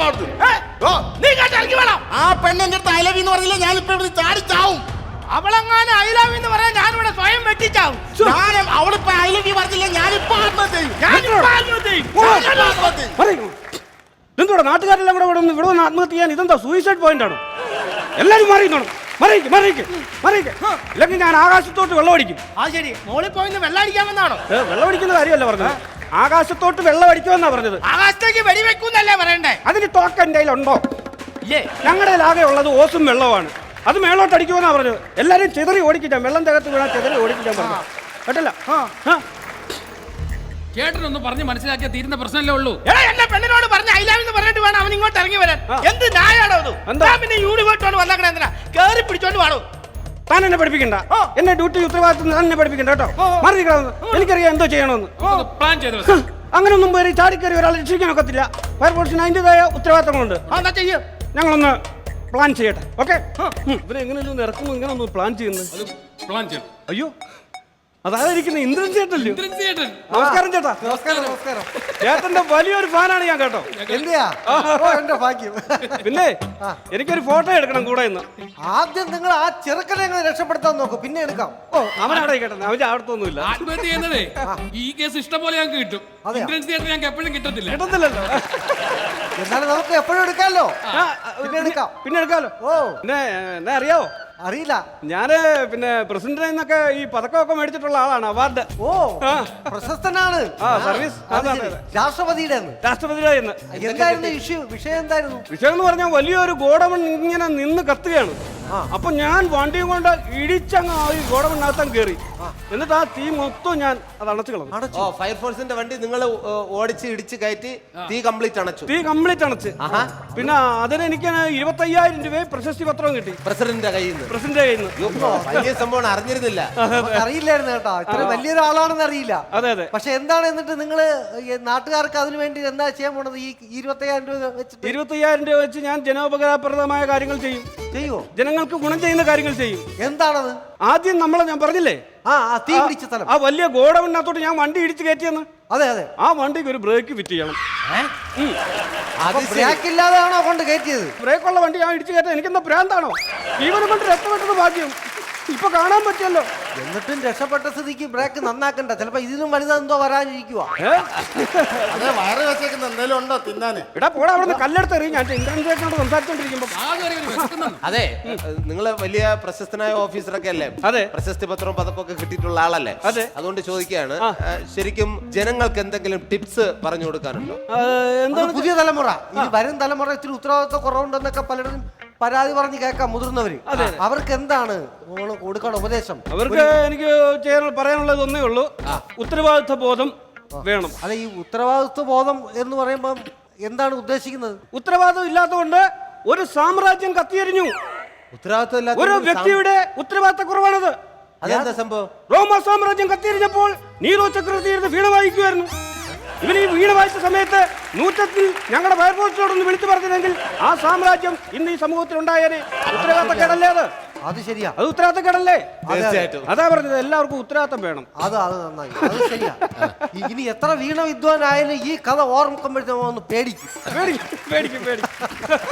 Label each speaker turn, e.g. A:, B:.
A: നീ ഇറങ്ങി വേണം.
B: ആ പെണ്ണെന്റെ അടുത്ത് ഐ ലവ് എന്ന് പറഞ്ഞില്ല ഞാൻ ഇപ്പൊ ഇവിടെ ചാടി ചാവും.
A: അവളെങ്ങാനും ഐ ലവ് എന്ന് പറയാൻ ഞാനിവിടെ സ്വയം വെട്ടിച്ചാവും.
B: ഞാൻ അവളിപ്പോ ഐ ലവ് പറഞ്ഞില്ല ഞാനിപ്പോ ആത്മഹത്യ ചെയ്യും.
C: ഇതെന്തോടെ നാട്ടുകാരെല്ലാം കൂടെ ഇവിടെ വന്ന് ആത്മഹത്യ ചെയ്യാൻ ഇതെന്താ സൂയിസൈഡ് പോയിന്റ് ആണോ? എല്ലാരും മാറിയിരുന്നോണം. അല്ലെങ്കിൽ ഞാൻ ആകാശത്തോട്ട് വെള്ളം അടിക്കും.
A: ആ ശരി, മോളിൽ പോയിന്ന് വെള്ളം അടിക്കാമെന്നാണോ?
C: വെള്ളം അടിക്കുന്ന കാര്യമല്ല പറഞ്ഞത്, ആകാശത്തോട്ട് വെള്ളം അടിക്കുമെന്നാ പറഞ്ഞത്.
A: ആകാശത്തേക്ക് വെടിവെക്കൂന്നല്ലേ പറയണ്ടേ?
C: അതിന് ടോക്കൻ എൻ്റെ കയ്യിലുണ്ടോ?
A: ഇല്ലേ?
C: ഞങ്ങളുടെ ആകെ ഉള്ളത് ഓസും വെള്ളമാണ്. അത് മേളോട്ട് അടിക്കുമെന്നാ പറഞ്ഞത്. എല്ലാരും ചെതറി ഓടിക്കിട്ടാൻ, വെള്ളം തകർത്ത് വീണാൽ ചെതറി ഓടിക്കിട്ടാൻ പറഞ്ഞു കേട്ടല്ല.
D: ചേട്ടനൊന്ന് പറഞ്ഞ് മനസ്സിലാക്കിയാൽ തീരുന്ന പ്രശ്നമല്ലേ ഉള്ളൂ.
A: എന്നെ പെണ്ണിനോട് പറഞ്ഞ ഐ ലവ് എന്ന് പറഞ്ഞിട്ട് വേണം അവൻ ഇങ്ങോട്ട് ഇറങ്ങി വരാൻ. എന്ത് ന്യായാണോ അത്? പിന്നെ യൂണിവേഴ്സിറ്റി വന്നേക്കണ എന്തിനാ കേറി പിടിച്ചോണ്ട് വേണോ?
C: താൻ എന്നെ പഠിപ്പിക്കണ്ട, എന്നെ ഡ്യൂട്ടി ഉത്തരവാദിത്വം താൻ എന്നെ പഠിപ്പിക്കണ്ട കേട്ടോ. മാറി എനിക്കറിയാം എന്തോ ചെയ്യണമെന്ന്.
D: പ്ലാൻ ചെയ്തു.
C: അങ്ങനൊന്നും പേര് ചാടിക്കറി ഒരാളെ രക്ഷിക്കാൻ ഒക്കത്തില്ല. ഫയർഫോഴ്സിന് അതിൻ്റെതായ ഉത്തരവാദിത്തങ്ങളുണ്ട്.
A: എന്താ ചെയ്യ?
C: ഞങ്ങളൊന്ന് പ്ലാൻ ചെയ്യട്ടെ. ഓക്കെ, ഇവരെ എങ്ങനെയൊന്നും ഇറക്കുമ്പോൾ ഇങ്ങനെ ഒന്ന് പ്ലാൻ ചെയ്യുന്നത്.
D: പ്ലാൻ ചെയ്യണം.
C: അയ്യോ, അതായിരിക്കുന്ന ഇന്ദ്രൻ ചേട്ടല്ലോ. നമസ്കാരം ചേട്ടാ.
E: നമസ്കാരം.
C: ചേട്ടന്റെ വലിയൊരു ഫാനാണ് ഞാൻ കേട്ടോ.
E: എന്റെയാ? എന്റെ ഭാഗ്യം.
C: പിന്നെ എനിക്കൊരു ഫോട്ടോ എടുക്കണം കൂടെ ഇന്ന്.
E: ആദ്യം നിങ്ങൾ ആ ചെറുക്കനെ രക്ഷപ്പെടുത്താൻ നോക്കൂ, പിന്നെ എടുക്കാം.
C: അവനവിടെ കേട്ടോ, അവൻ അവിടത്തൊന്നുമില്ല.
D: ആത്മഹത്യ ചെയ്യുന്നതേ ഈ കേസ് ഇഷ്ടം പോലെ ഞങ്ങൾക്ക് കിട്ടും. ഇൻഷുറൻസ് തിയേറ്റർ ഞങ്ങൾക്ക് എപ്പോഴും കിട്ടത്തില്ലല്ലോ.
E: എന്നാലും നമുക്ക് എപ്പോഴും എടുക്കാമല്ലോ.
C: പിന്നെ എടുക്കാലോ. പിന്നെ എന്നെ അറിയാവോ?
E: അറിയില്ല.
C: ഞാന് പിന്നെ പ്രസിഡന്റിൽ നിന്നൊക്കെ ഈ പതക്കമൊക്കെ മേടിച്ചിട്ടുള്ള ആളാണ്. അവാർഡ്.
E: പ്രശസ്തനാണ്.
C: സർവീസ്
E: രാഷ്ട്രപതിയുടെ. എന്തായിരുന്നു വിഷയം? എന്തായിരുന്നു
C: വിഷയം എന്ന് പറഞ്ഞാൽ വലിയൊരു ഗോഡമൺ ഇങ്ങനെ നിന്ന് കത്തുകയാണ്. അപ്പൊ ഞാൻ വണ്ടിയും കൊണ്ട് ഇടിച്ചങ്ങ് ഈ ഗോഡമണ്ണാത്താൻ കയറി. എന്നിട്ട് ആ തീ മൊത്തം ഞാൻ അത് അണച്ചു കളഞ്ഞു.
B: ഫയർഫോഴ്സിന്റെ വണ്ടി നിങ്ങൾ ഓടിച്ച് ഇടിച്ച് കയറ്റി തീ കംപ്ലീറ്റ് അണച്ചു.
C: പിന്നെ അതിന് എനിക്ക് 25,000 രൂപ പ്രശസ്തി പത്രവും കിട്ടി
B: പ്രസിഡന്റിന്റെ കയ്യിൽ നിന്ന്.
E: വലിയ സംഭവം അറിഞ്ഞിരുന്നില്ല, അറിയില്ലായിരുന്നു കേട്ടോ. ഇത്ര വലിയൊരാളാണെന്ന് അറിയില്ല.
C: അതെ.
E: പക്ഷെ എന്താണ് എന്നിട്ട് നിങ്ങള് നാട്ടുകാർക്ക് അതിനു വേണ്ടി എന്താ ചെയ്യാൻ പോണത്? ഈ 25,000 രൂപ വെച്ചിട്ട്
C: 25,000 രൂപ വെച്ച് ഞാൻ ജനോപകാരപ്രദമായ കാര്യങ്ങൾ ചെയ്യുമോ? ജനങ്ങൾക്ക് ഗുണം ചെയ്യുന്ന കാര്യങ്ങൾ ചെയ്യും.
E: എന്താണത്?
C: ആദ്യം ഞാൻ പറഞ്ഞില്ലേ
E: തീ പിടിച്ച സ്ഥലം,
C: ആ വലിയ ഗോഡമണ്ണാത്തോട്ട് ഞാൻ വണ്ടി ഇടിച്ച് കയറ്റിയെന്ന്.
E: അതെ.
C: ആ വണ്ടിക്ക് ഒരു ബ്രേക്ക് ഫിറ്റ് ചെയ്യണം.
E: ബ്രേക്ക് ഇല്ലാതെയാണോ കൊണ്ട് കയറ്റിയത്?
C: ബ്രേക്കുള്ള വണ്ടി ഞാൻ ഇടിച്ച് കയറ്റാൻ എനിക്കെന്താ ഭ്രാന്താണോ? ജീവനം കൊണ്ട് രക്ഷപ്പെട്ടത് ഭാഗ്യം. ഇപ്പൊ കാണാൻ പറ്റിയല്ലോ.
E: എന്നിട്ടും രക്ഷപ്പെട്ട സ്ഥിതിക്ക് ബ്രേക്ക് നന്നാക്കണ്ട. ചിലപ്പോ ഇതിലും വലുതെന്തോ വരാനിരിക്കുവാ.
B: വയറ് വെച്ചേക്കുന്ന എന്തെങ്കിലും ഉണ്ടോ തിന്നാന്?
C: എടാ പോടാ, അവിടെ കല്ലെടുത്ത് എറിയും. ഞാൻ ഇന്റർനെറ്റിനോട് സംസാരിച്ചോണ്ടിരിക്കുമ്പോ.
B: അതെ, നിങ്ങള് വലിയ പ്രശസ്തനായ ഓഫീസറൊക്കെ അല്ലേ?
C: അതെ.
B: പ്രശസ്തി പത്രവും പതക്കമൊക്കെ കിട്ടിയിട്ടുള്ള ആളല്ലേ?
C: അതെ.
B: അതുകൊണ്ട് ചോദിക്കുകയാണ്, ശരിക്കും ജനങ്ങൾക്ക് എന്തെങ്കിലും ടിപ്സ് പറഞ്ഞു കൊടുക്കാനുണ്ടോ?
E: പുതിയ തലമുറ, ഇനി വരും തലമുറ ഇത്തിരി ഉത്തരവാദിത്വ കുറവുണ്ടെന്നൊക്കെ പലരും പരാതി പറഞ്ഞ് കേൾക്കാം. മുതിർന്നവര് അവർക്ക് എന്താണ് കൊടുക്കണം ഉപദേശം?
C: അവർക്ക് എനിക്ക് പറയാനുള്ളത് ഒന്നേ ഉള്ളൂ, ഉത്തരവാദിത്വ ബോധം വേണം.
E: അല്ല, ഈ ഉത്തരവാദിത്വ ബോധം എന്ന് പറയുമ്പോൾ എന്താണ് ഉദ്ദേശിക്കുന്നത്?
C: ഉത്തരവാദിത്വം ഇല്ലാത്തതുകൊണ്ട് ഒരു സാമ്രാജ്യം കത്തിയെരിഞ്ഞു.
E: ഉത്തരവാദിത്വം
C: ഒരു വ്യക്തിയുടെ ഉത്തരവാദിത്ത കുറവാണത്.
E: അതെന്താ സംഭവം?
C: റോമ സാമ്രാജ്യം കത്തിയെരിഞ്ഞപ്പോൾ നീറോ ചക്രവർത്തി വീണ വായിക്കുമായിരുന്നു. ഇവന് ഈ വീണ വായിച്ച സമയത്ത് നൂറ്റത്തിൽ ഞങ്ങളുടെ ഫയർഫോഴ്സിനോടൊന്ന് വിളിച്ചു പറഞ്ഞില്ലെങ്കിൽ ആ സാമ്രാജ്യം ഇന്ന് ഈ സമൂഹത്തിൽ ഉണ്ടായേനെ. ഉത്തരവാദിത്തക്കേടല്ലേ അത്?
E: അത് ശരിയാ,
C: അത് ഉത്തരവാദിത്തക്കേടല്ലേ?
B: തീർച്ചയായിട്ടും.
C: അതാ പറഞ്ഞത്, എല്ലാവർക്കും ഉത്തരവാദിത്തം വേണം.
E: അത് നന്നായി, അത് ശരിയാ. ഇനി എത്ര വീണ വിദ്വാനായാലും ഈ കഥ ഓർമ്മിക്കുമ്പോഴത്തേക്കും ഒന്ന് പേടിക്കും.